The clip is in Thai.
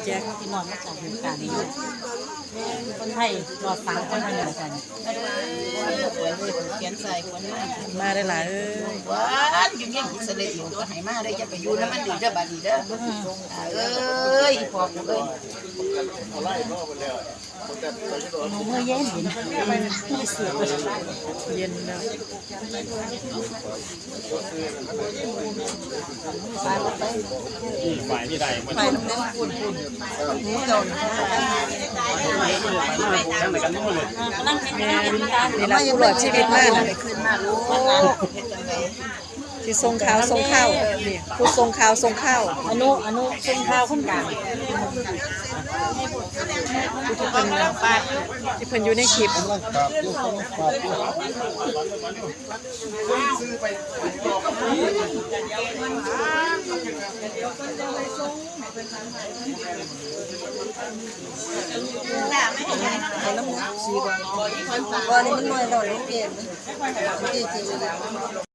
แจ็คที่นอนมาจากเหตุการณ์นี้คนไทยรอดฟังคนไทยเหมือนกันเขียนใส่คนมาได้หลายว้านอยู่เนี่ยอิสราเอลก็ให้มาได้จะไปอยู่แล้วมันดีเด้อบาดีเด้อเอ้ยพอกูเอ้ยเมื่อเย็นไม่เสียไปเย็นแล้วฝ่ายที่ใดมันไปน้ำเล่นปุ่นนี่โดนทั้งไหนกันนู่นเลยกำลังเห็นการนี่ละผู้รอดชีวิตมากนะขึ้นมาลูกเฮ็ดจังได๋ที่ทรงขาวทรงข้าวนี่ผู้ทรงขาวทรงข้าวอนุทรงข้าวคนกลางที่เพิ่นอยู่ในคลิปบ่นี่มันน้อยแล้วลูกเอง